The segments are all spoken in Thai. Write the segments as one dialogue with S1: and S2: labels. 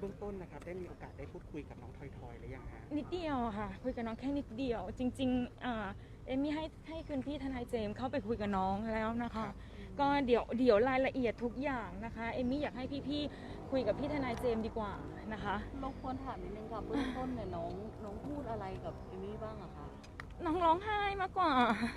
S1: บื้องต้นนะครับได้มีโอกาสได้พูดคุยกับน้องทอยหรือยังฮะ
S2: นิดเดียวค่ะคุยกับน้องแค่นิดเดียวจริงๆเอมมี่ให้คุณพี่ทนายเจมส์เข้าไปคุยกับน้องแล้วนะคะก็เดี๋ยวรายละเอียดทุกอย่างนะคะเอมมี่อยากให้พี่ๆคุยกับพี่ทนายเจมส์ดีกว่านะคะ
S3: รบกวนถามนิดนึงค่ะเบื้องต้นเนี่ยน้องพูดอะไรกับเอมี่บ้างอะคะ
S2: น้องร้องไห้มากกว่า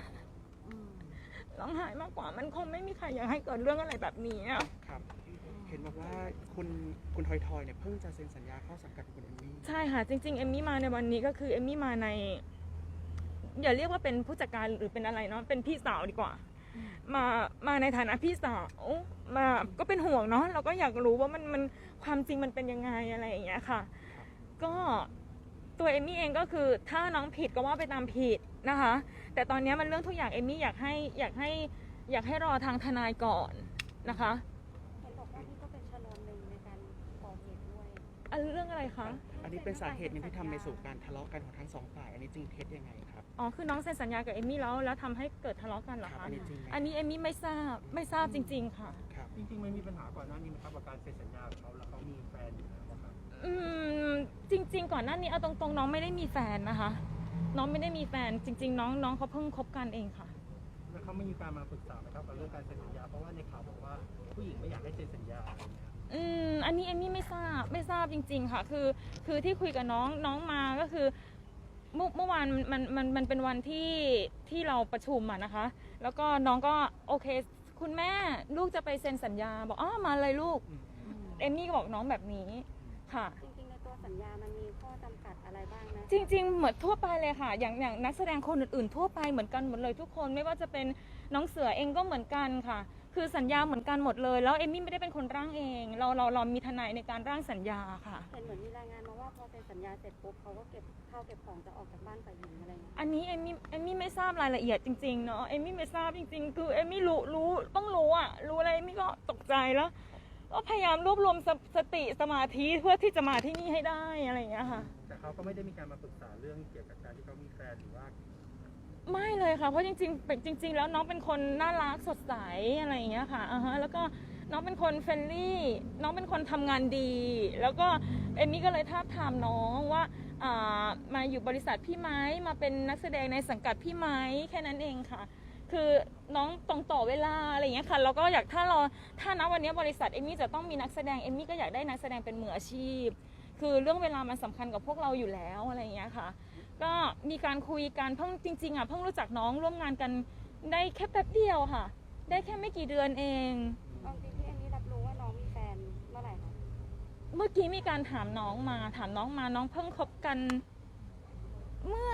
S2: ร้องไห้มากกว่ามันคงไม่มีใครอยากให้เกิดเรื่องอะไรแบบนี้
S1: ครับเห็นบอกว่าคุณทอยเนี่ยเพิ่งจะเซ็นสัญญาเข้าสังกัดคุณเอมมี่
S2: ใช่ค่ะจริงๆเอมมี่มาในวันนี้ก็คือเอมมี่มาในอย่าเรียกว่าเป็นผู้จัดการหรือเป็นอะไรเนาะเป็นพี่สาวดีกว่ามาในฐานะพี่สาวมาก็เป็นห่วงเนาะเราก็อยากรู้ว่ามันความจริงมันเป็นยังไงอะไรอย่างเงี้ยค่ะก็ตัวเอมมี่เองก็คือถ้าน้องผิดก็ว่าไปตามผิดนะคะแต่ตอนนี้มันเรื่องทุกอย่างเอมมี่อยากให้รอทางทนายก่อนนะคะ
S4: เห็นบอกว่านี่ก็เป็นชนวนหนึ่งในการก่อเหตุด้วย
S2: เรื่องอะไรคะ
S1: อันนี้เป็นสาเหตุหนึ่งที่ทำไปสู่การทะเลาะกันของทั้งสองฝ่ายอันนี้จริงเท็จยังไงครับ
S2: คือน้องเซ็นสัญญากับเอมมี่แล้วทำให้เกิดทะเลาะกันเหรอคะอันนี้เอมมี่ไม่ทราบจริงๆค่ะ
S5: จริงๆไม่มีปัญหาก่อนหน้านี้ไหมครับกับการเซ็นสัญญากับเขาแล้วเขามีแฟนอยู่แล้วครับ
S2: จริงๆก่อนหน้านี้เอาตรงๆน้องไม่ได้มีแฟนนะคะน้องไม่ได้มีแฟนจริงๆน้องเขาเพิ่งคบกันเองค่ะ
S5: แล้วเขาไม่มีการมาปรึกษาไหมครับกับเรื่องการเซ็นสัญญาเพราะว่าในข่าวบอกว่าผู้หญิงไม่อยากให้เซ็นสัญญา
S2: อันนี้เอมมี่ไม่ทราบจริงๆค่ะคือที่คุยกับน้องมาก็คือเมื่อวานมันเป็นวันที่เราประชุมอะนะคะแล้วก็น้องก็โอเคคุณแม่ลูกจะไปเซ็นสัญญาบอกมาเลยลูกเอมมี่ก็บอกน้องแบบนี้ค่ะ
S4: จริงๆในตัวสัญญามันมีข้อจำกัดอะไรบ้างนะ
S2: จริงๆเหมือนทั่วไปเลยค่ะอย่างนักแสดงคนอื่นๆทั่วไปเหมือนกันหมดเลยทุกคนไม่ว่าจะเป็นน้องเสือเองก็เหมือนกันค่ะคือสัญญาเหมือนกันหมดเลยแล้วเอมมี่ไม่ได้เป็นคนร่างเองเรามีทนายในการร่างสัญญาค่ะ
S4: เห็นเหมือนมีรายงานมาว่าพอเซ็นสัญญาเสร็จปุ๊บเขาก็เก็บข้าวเก็บของจะออกจากบ้านฝ่ายหญิงอะไรอย่างเงี้ย
S2: อันนี้เอมมี่ไม่ทราบรายละเอียดจริงๆเนาะเอมมี่ไม่ทราบจริงๆคือเอมมี่รู้ต้องรู้อะไรเอมมี่ก็ตกใจแล้วก็พยายามรวบรวมสติสมาธิเพื่อที่จะมาที่นี่ให้ได้อะไรอย่างเงี้ยค่ะ
S5: แต่เขาก็ไม่ได้มีการมาปรึกษาเรื่องเกี่ยวกับการที่เขามีแฟนหรือว่า
S2: ไม่เลยค่ะเพราะจริงๆแล้วน้องเป็นคนน่ารักสดใสอะไรอย่างเงี้ยค่ะแล้วก็น้องเป็นคนเฟรนลี่น้องเป็นคนทำงานดีแล้วก็เอมมี่ก็เลยทาบทามน้องว่ามาอยู่บริษัทพี่ไหมมาเป็นนักแสดงในสังกัดพี่ไหมแค่นั้นเองค่ะคือน้องตรงต่อเวลาอะไรอย่างเงี้ยค่ะแล้วก็อยากถ้าณวันนี้บริษัทเอมมี่จะต้องมีนักแสดงเอมมี่ก็อยากได้นักแสดงเป็นมืออาชีพคือเรื่องเวลามันสำคัญกับพวกเราอยู่แล้วอะไรอย่างเงี้ยค่ะก็มีการคุยกันเพิ่งจริงๆเพิ่งรู้จักน้องร่วมงานกันได้แค่แป๊บเดียวค่ะได้แค่ไม่กี่เดือนเอง
S4: จริงๆที่เอมมี่รับรู้ว่าน้องมีแฟนเมื่อไหร่คะ
S2: เมื่อกี้มีการถามน้องมาน้องเพิ่งคบกันเมื่อ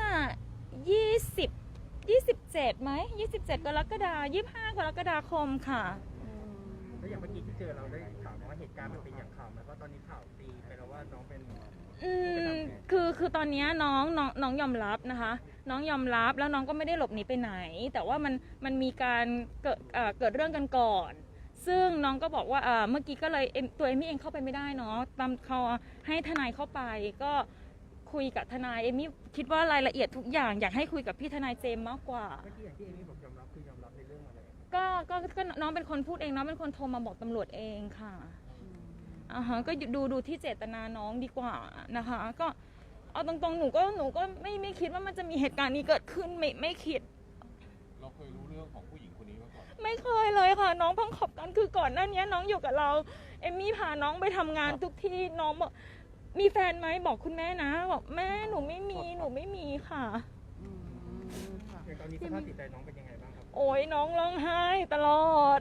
S2: 27ไหม27 กรกฎาคม25 กรกฎาคมค่ะ
S5: แล้วอย่างเมื่อกี้ที่เจอเราได้ถามว่าเหตุการณ์มันเป็นอย่างข่าวไหมเพราะตอนนี้ข่าวตีไปแล้วว่าน้องเป็น
S2: คือตอนนี้น้องยอมรับนะคะน้องยอมรับแล้วน้องก็ไม่ได้หลบหนีไปไหนแต่ว่ามันมีการเกิดเรื่องกันก่อนซึ่งน้องก็บอกว่าเมื่อกี้ก็เลยตัวเอมมี่เองเข้าไปไม่ได้เนาะตามเขาให้ทนายเข้าไปก็คุยกับทนายเอมมี่คิดว่ารายละเอียดทุกอย่างอยากให้คุยกับพี่ทนายเจมส์มากกว่า
S5: เมื่อกี้อย่างที่เอมมี่บอกยอมรับคือยอมรับในเรื่องอะไร
S2: ก็น้องเป็นคนพูดเองน้องเป็นคนโทรมาบอกตำรวจเองค่ะก็ดูที่เจตนาน้องดีกว่านะคะก็เอาตรงๆหนูก็ไม่คิดว่ามันจะมีเหตุการณ์นี้เกิดขึ้นไม่คิด
S6: เราเคยรู้เรื่องของผู้หญิงคนนี้มาก่อน
S2: ไม่เคยเลยค่ะน้องเพิ่งคบกันคือก่อนหน้านี้น้องอยู่กับเราเอมมี่พาน้องไปทำงานทุกที่น้องบอกมีแฟนไหมบอกคุณแม่นะบอกแม่หนูไม่มีค่ะ
S5: อย่างตอนนี้สภาพจิตใจน้องเป็นยังไงบ้างครับ
S2: โอ้ยน้องร้องไห้ตลอด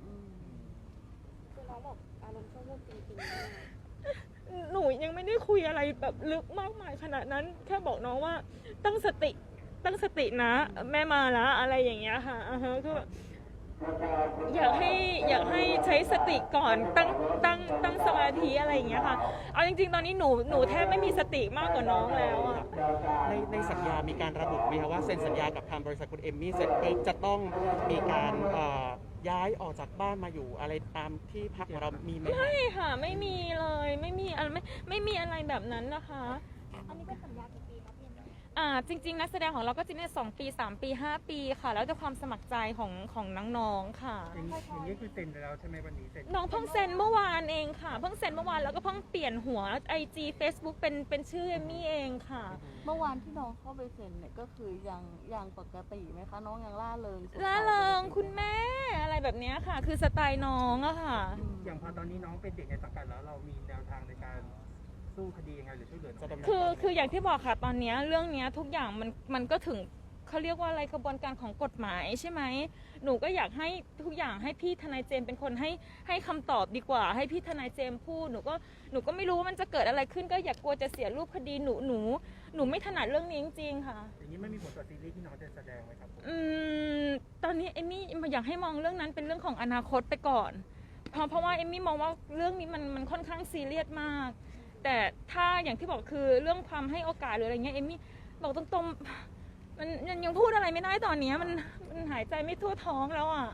S4: คือน้องบอกอารมณ์ชั่ววูบจริง
S2: ๆหนูยังไม่ได้คุยอะไรแบบลึกมากมายขนาดนั้นแค่บอกน้องว่าตั้งสตินะแม่มาแล้วอะไรอย่างเงี้ยค่ะคืออยากให้ใช้สติก่อนตั้งสมาธิอะไรอย่างเงี้ยค่ะเอาจริงๆตอนนี้หนูแทบไม่มีสติมากกว่าน้องแล้วอะ
S1: ในสัญญามีการระบุไหมคะว่าเซ็นสัญญากับทางบริษัทคุณเอมมี่เสร็จปุ๊บจะต้องมีการย้ายออกจากบ้านมาอยู่อะไรตามที่พักของเรามีไหม
S2: ไม่ค่ะไม่มีเลยไม่มีอะไรแบบนั้นนะคะ
S4: อันนี้เป็นสัญญากี่ปีครับพี่
S2: จริงๆนักแสดงของเราก็จะเนี่ย2 ปี 3 ปี 5 ปีค่ะ แล้วแต่ความสมัครใจของน้องๆค่ะ
S5: อย่างนี้คือเซ็นไปแล้วใช่ไหมวันนี้เซ็น
S2: น้องเพิ่งเซ็นเมื่อวานเองค่ะเพิ่งเซ็นเมื่อวานแล้วก็เพิ่งเปลี่ยนหัว IG Facebook เป็นชื่อเอมมี่เองค่ะ
S3: เมื่อวานที่น้องเข้าไปเซ็นเนี่ยก็คือยังปกติไหมคะน้องยังล่าเริงสดใส
S2: ล่าเริงคุณแม่อะไรแบบเนี้ยค่ะ คือสไตล์น้องอะค่ะ
S5: อย่างพอตอนนี้น้องเป็นเด็กในสังกัดแล้วเรามีแนวทางในการสู้คดียังไงหรือช่วยเหลือน้องยังไง
S2: คืออย่างที่บอกค่ะตอนเนี้ยเรื่องเนี้ยทุกอย่างมันก็ถึงเขาเรียกว่าอะไรกระบวนการของกฎหมายใช่ไหมหนูก็อยากให้ทุกอย่างให้พี่ทนายเจมส์เป็นคนให้คำตอบดีกว่า ให้พี่ทนายเจมส์พูดหนูก็ไม่รู้ว่ามันจะเกิดอะไรขึ้นก็อย่ากลัวจะเสียรูปคดีหนูไม่ถนัดเรื่องนี้จริงๆค่ะ
S5: อย่างนี้ไม่มีผลต่อซีรีส์ที่น้องจะแสดงไหมครับผม
S2: ตอนนี้เอมมี่อยากให้มองเรื่องนั้นเป็นเรื่องของอนาคตไปก่อนเพราะว่าเอมมี่มองว่าเรื่องนี้มันค่อนข้างซีเรียสมาก แต่ถ้าอย่างที่บอกคือเรื่องความให้โอกาสหรืออะไรเงี้ยเอมมี่บอกตรงๆมันยังพูดอะไรไม่ได้ตอนนี้มันหายใจไม่ทั่วท้องแล้วอ่ะ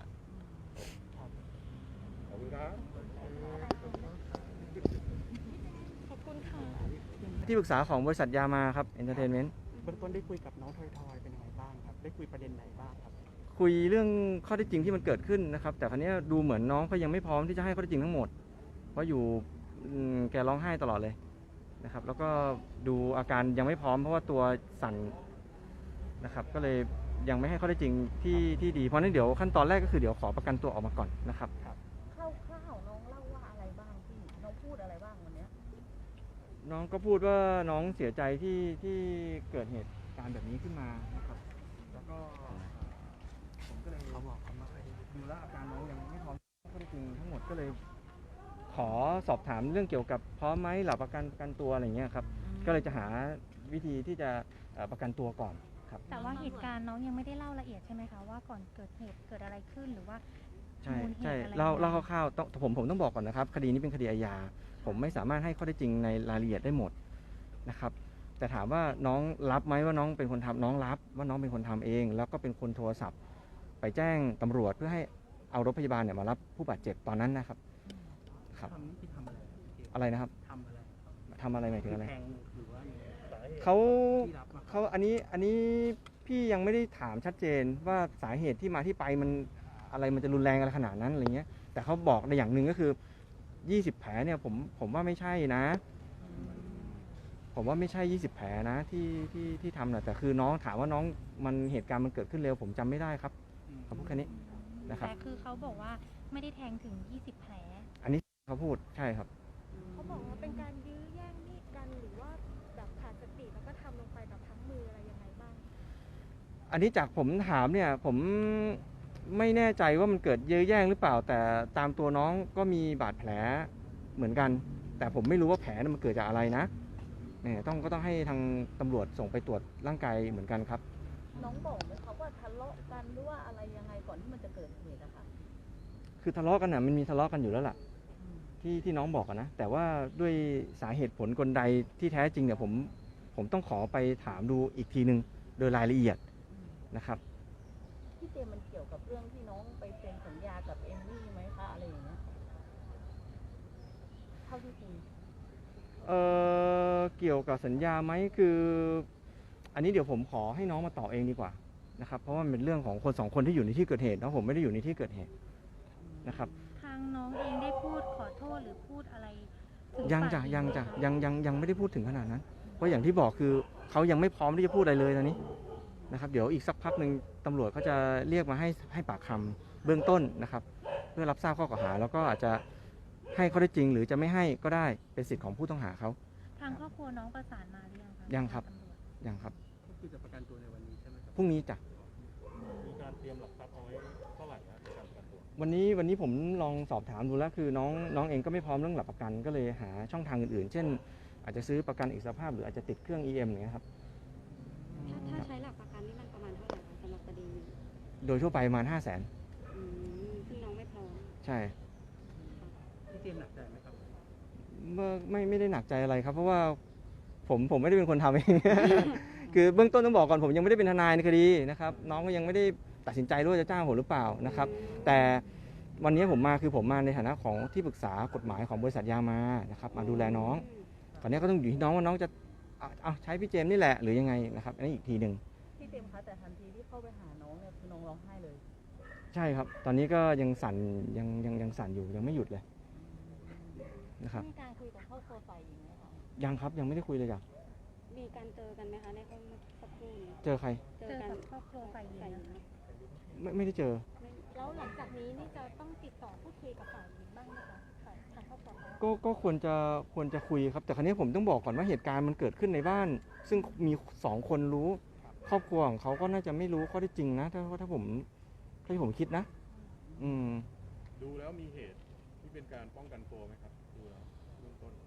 S5: ขอบคุณครับ
S2: ขอบคุณค่ะ
S7: ที่ปรึกษาของบริษัทยามาครับเอนเตอร์เทนเมนต์
S1: เบื้องต้นได้คุยกับน้องทอยๆเป็นยังไงบ้างครับได้คุยประเด็นไหนบ้างครับ
S7: คุยเรื่องข้อเท็จจริงที่มันเกิดขึ้นนะครับ แต่ครั้นี้ดูเหมือนน้องเขายังไม่พร้อมที่จะให้ข้อเท็จจริงทั้งหมด เพราะอยู่แกร้องไห้ตลอดเลยนะครับ แล้วก็ดูอาการยังไม่พร้อมเพราะว่าตัวสั่นนะครับ ก็เลยยังไม่ให้ข้อเท็จจริงที่ดีเพราะนั้นเดี๋ยวขั้นตอนแรกก็คือเดี๋ยวขอประกันตัวออกมาก่อนนะครับ
S3: คร่าวๆน้องเล่าว่าอะไรบ้างพี่น้องพูดอะไรบ้างวันเนี้ย
S7: น้องก็พูดว่าน้องเสียใจที่เกิดเหตุการณ์แบบนี้ขึ้นมานะครับแล้วก็ผมก็เลยเขาบอกเขามาดูแลวอาการน้องยังไม่พร้อมข้อเท็จจริงทั้งหมดก็เลย ขอสอบถามเรื่องเกี่ยวกับพร้อมไหมหลับประกันตัวอะไรเงี้ยครับก็เลยจะหาวิธีที่จะประกันตัวก่อนครับ
S8: แต่ว่าเหตุการณ์น้องยังไม่ได้เล่าละเอียดใช่ไหมคะว่าก่อนเกิดเหตุเกิดอะไรขึ้นหรือว่า
S7: ใช่
S8: มูลเหตุ
S7: ใช่
S8: อะไร
S7: เล่า
S8: ยังไง
S7: เล่าคร่าวๆผมต้องบอกก่อนนะครับคดีนี้เป็นคดีอาญาผมไม่สามารถให้ข้อเท็จจริงในรายละเอียดได้หมดนะครับแต่ถามว่าน้องรับไหมว่าน้องเป็นคนทำน้องรับว่าน้องเป็นคนทำเอง แล้วก็เป็นคนโทรศัพท์ไปแจ้งตำรวจเพื่อให้เอารถพยาบาลเนี่ยมารับผู้บาดเจ็บตอนนั้นนะครับครับ
S5: ทำนี่คือทำอะไร
S7: อะไรนะครับ
S5: ทำอะไร
S7: ทำอะไรหมายถึงอะไร
S5: แทงหรือว่าสาเหตุ
S7: เขา
S5: ที่รับมา
S7: เขาอันนี้พี่ยังไม่ได้ถามชัดเจนว่าสาเหตุที่มาที่ไปมันอะไรมันจะรุนแรงอะไรขนาดนั้นอะไรเงี้ยแต่เขาบอกในอย่างหนึ่งก็คือ20 แผลเนี่ยผมว่าไม่ใช่นะ ผมว่าไม่ใช่20 แผลนะที่ทำนะแต่คือน้องถามว่าน้องมันเหตุการณ์มันเกิดขึ้นเร็วผมจำไม่ได้ครับเขาพูดแค่นี้นะครับ
S8: แต่คือเขาบอกว่าไม่ได้แทงถึง 20 แผล
S7: อันนี้เขาพูดใช่ครับ
S4: เขาบอกว่าเป็นการยื้อแย่งมีดกันหรือว่าแบบขาดสติแล้วก็ทำลงไปแบบทั้งมืออะไรยังไงบ้าง
S7: อันนี้จากผมถามเนี่ยผมไม่แน่ใจว่ามันเกิดเยื้อแย่งหรือเปล่า แต่ตามตัวน้องก็มีบาดแผลเหมือนกัน แต่ผมไม่รู้ว่าแผลนั้นมันเกิดจากอะไรนะเนี่ยก็ต้องให้ทางตำรวจส่งไปตรวจร่างกายเหมือนกันครับ
S3: น้องบอกไหมคะว่าทะเลาะกันหรือว่าอะไรยังไงก่อนที่มันจะเกิดเหตุอะคะ
S7: คือทะเลาะกันน่ะมันมีทะเลาะกันอยู่แล้วล่ะที่น้องบอกอะนะแต่ว่าด้วยสาเหตุผลกลใดที่แท้จริงเนี่ยผมต้องขอไปถามดูอีกทีนึงโดยรายละเอียดนะครับ
S3: พี่เจมส์มันเกี่ยวกับเรื่องที่น้องไปเซ็นสัญญากับเอมมี่ไหมคะอะไรอย่างเงี้ยเท่าที่คุย
S7: เกี่ยวกับสัญญาไหมคือ อันนี้เดี๋ยวผมขอให้น้องมาตอบเองดีกว่านะครับเพราะว่ามันเป็นเรื่องของคนสองคนที่อยู่ในที่เกิดเหตุแล้วผมไม่ได้อยู่ในที่เกิดเหตุนะครับ
S8: ทางน้องเองได้พูดขอโทษหรือพูดอะไรถึ
S7: ยัง
S8: ฝ่า
S7: จ้ะ
S8: หญิ
S7: ยัง
S8: ไหม
S7: จ้ะ
S8: คะ
S7: ยังไม่ได้พูดถึงขนาดนั้น เพราะอย่างที่บอกคือเขายังไม่พร้อมที่จะพูดอะไรเลยตอนนี้นะครับเดี๋ยวอีกสักพักหนึ่งตำรวจเขาจะเรียกมาให้ปากคำเบื้องต้นนะครับ เพื่อรับทราบข้อกล่าวหา แล้วก็อาจจะให้ข้อได้จริง หรือจะไม่ให้ก็ได้เป็นสิทธิ์ของผู้ต้องหาเขา
S8: ทางครอบครัวน้องประสานมาหรือยังคะ
S7: ยังครับ
S8: ทาตำวจ
S7: ยังครับ
S5: ก็คือจะประกันตัวในวันนี้ใช่ไหมครับ
S7: พรุ่งนี้จ้ะ
S6: มีการเตรียมหลักทรัพย์เอาไว้เท่าไหร่นะในการประกันตัว
S7: วันนี้ผมลองสอบถามดูแล้วคือน้องเองก็ไม่พร้อมเรื่องหลักประกันก็เลยหาช่องทางอื่นๆ เช่น อาจจะซื้อประกันอิสรภาพหรืออาจจะติดเครื่อง EM อย่างเงี้ยครับ
S4: ถ้าใช้หลักประกันนี่มันประมาณเท่าไหร่คะสำหรับคดีนี้
S7: โดยทั่วไปประมาณ 500,000
S4: ซึ่งน้องไม่พร้อม
S7: ใช่
S5: พี่เจมส์หนักใจไหมครับ
S7: ไม่ได้หนักใจอะไรครับ เพราะว่าผมไม่ได้เป็นคนทำเอง คือเบื้องต้นต้องบอกก่อนผมยังไม่ได้เป็นทนายในคดีนะครับน้องก็ยังไม่ได้ตัดสินใจด้วยว่าจะจ้างผมหรือเปล่านะครับแต่วันนี้ผมมาในฐานะของที่ปรึกษากฎหมายของบริษัทยามานะครับมาดูแลน้องตอนนี้ก็ต้องอยู่ที่น้องว่าน้องจะเอาใช้พี่เจมส์นี่แหละหรือยังไงนะครับอันนี้อีกทีหนึ่ง
S3: พี่เจมส์คะแต่ทันทีที่เข้าไปหาน้องเนี่ยคือน้องร้องไห้เลย
S7: ใช่ครับ ตอนนี้ก็ยังสั่นยังสั่นอยู่ยังไม่หยุดเลยนะครับ
S3: มีการคุยกับครอบครัวฝ่ายหญิงไหมคะ
S7: ยังครับยังไม่ได้คุยเลยจ้ะ
S9: มีการเจอกันไหมคะในห้องสักครู่นี้
S7: เจอใคร
S9: เจ
S8: เจ
S9: อ
S8: อ
S9: กัน
S8: กับครอบครัวฝ่ายหญิงนะคะ
S7: ไม่ได้เจอ
S4: แล้วหลังจากนี้นี่จะต้องติดต่อพูดคุยกับฝ่ายหญิงบ้างไหมคะฝ่ายทางครอบครัวเขา
S7: ก็ควรจะคุยครับ แต่ครั้นี้ผมต้องบอกก่อนว่าเหตุการณ์มันเกิดขึ้นในบ้าน ซึ่งมี2 คนรู้ ครอบครัวของเขาก็น่าจะไม่รู้ข้อเท็จจริงนะถ้าผมคิดนะ อืม
S6: ดูแล้วมีเหตุที่เป็นการป้องกันตัวไหมครับดูแล้วเบื้องต้น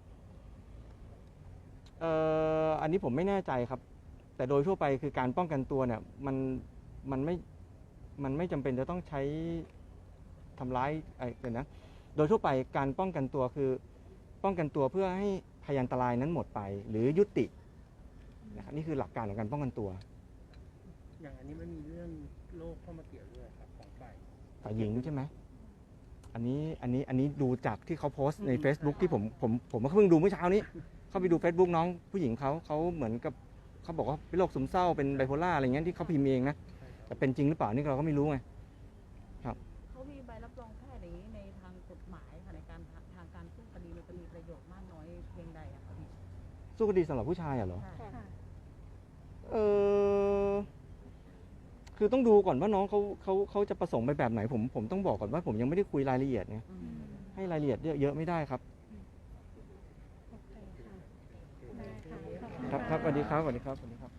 S7: อันนี้ผมไม่แน่ใจครับ แต่โดยทั่วไปคือการป้องกันตัวเนี่ยมันไม่จำเป็นจะต้องใช้ทำร้ายเดี๋ยวนะโดยทั่วไปการป้องกันตัวคือป้องกันตัวเพื่อให้พยานอันตรายนั้นหมดไป หรือยุตินะครับนี่คือหลักการของการป้องกันตัว
S5: อย่างอันนี้มันมีเรื่องโรคเข้ามาเกี่ยวด้วยครับของฝ่าย
S7: ฝ่ายหญิงใช่ไหมอันนี้ดูจากที่เขาโพสต์ใน Facebook ที่ผมเพิ่งดูเมื่อเช้านี้ เข้าไปดู Facebook น้องผู้หญิงเขาเหมือนกับเขาบอกว่าเป็นโรคซึมเศร้าเป็นไบโพล่าอะไรเงี้ยที่เขาพิมพ์เองนะแต่เป็นจริงหรือเปล่านี่เราก็ไม่รู้ไง
S3: เขามีใบรับรองแพทย์อย่างนี้ในทางกฎหมายค่ะในการทางการสู้คดีมันจะมีประโยชน์มากน้อยเพียงใดอะคะพี่
S7: สู้คดีสำหรับผู้ชายเหรอ
S3: ค่ะ
S8: ค่ะ
S7: คือต้องดูก่อนว่าน้องเขาจะประสงค์ไปแบบไหนผมต้องบอกก่อนว่าผมยังไม่ได้คุยรายละเอียดไง
S3: อืม
S7: ให้รายละเอียดเยอะไม่ได้ครับ
S8: โอเคค่ะ ได้ค่ะขอบคุณ
S7: ครับ
S8: ค่ะ
S7: สวัสดีครับ